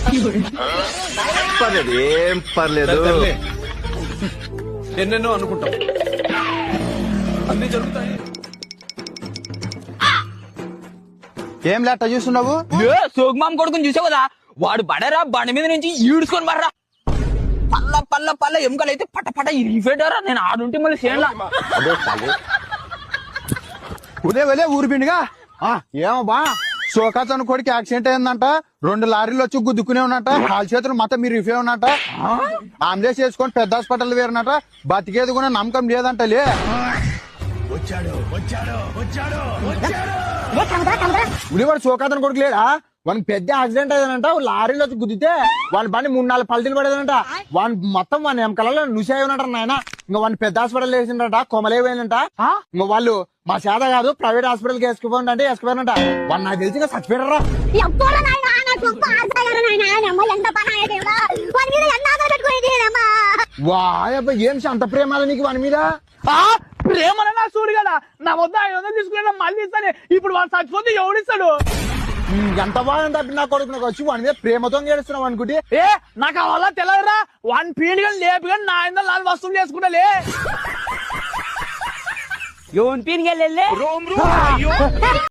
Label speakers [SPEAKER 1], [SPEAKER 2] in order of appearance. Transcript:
[SPEAKER 1] పర్లేదు, ఏం పర్లేదు.
[SPEAKER 2] ఎన్నెన్నో అనుకుంటాం, అన్ని జరుగుతాయి.
[SPEAKER 3] ఏం లేట చూస్తున్నావు?
[SPEAKER 4] సోగ్మాం కొడుకుని చూసావు కదా, వాడు బడరా బండి మీద నుంచి ఈడ్చుకొని బర్రా. పల్ల పల్ల పల్ల ఎముకలు అయితే పట పట ఇరిగిపోయారా. నేను ఆడుంటే మళ్ళీ చేయలా.
[SPEAKER 3] ఉదే వలే ఊరు పిండిగా ఏమో బా సోకాచన్ కొడుకు యాక్సిడెంట్ అయిందంట. 2 లారీలు వచ్చి గుద్దుకునే ఉన్నట. కాలు చేతులు మొత్తం మీరు రిఫే ఉన్నట. అంబులెన్స్ చేసుకొని పెద్ద హాస్పిటల్ వేరునట. బతికేది కూడా నమ్మకం లేదంట. లే ఉడివాడు సోకాతన్ కొడుకు లేడా? వానికి పెద్ద యాక్సిడెంట్ అయ్యానంట. లారీలో వచ్చి గుద్దితే వాళ్ళ బండి 3-4 పల్టీలు పడేదంట. వాని మొత్తం వాని వెనకాలలో నుసే ఉన్నట నాయన. ఇంకా వాడిని పెద్ద హాస్పిటల్ వేసిండట. కొమలేపోయినంట. ఇంకా వాళ్ళు మా చేత కాదు ప్రైవేట్ హాస్పిటల్ కి వేసుకుపోండి అంటే వేసుకుపోయినంట. వాడు నాకు తెలిసి ఇంకా చచ్చిపోయారా. వాయబ్బా ఏం అంత ప్రేమ నీకు వాని మీద?
[SPEAKER 4] ప్రేమలో నా చూడు కదా, నా వద్ద 500 తీసుకున్నా మళ్ళీ ఇస్తానే. ఇప్పుడు వాడు చచ్చిపోతే ఎవడిస్తాడు?
[SPEAKER 3] ఎంత బాగా తప్పి నా కొడుకు నాకు వచ్చి వాని మీద ప్రేమతో ఏడుస్తున్నావు అనుకుంటే.
[SPEAKER 4] నాకు అవల్ల తెలియదురా. వాడిని పీడిగా లేపిగా నా 500 వసూలు చేసుకుంటా. ఎవరిని పీడిగా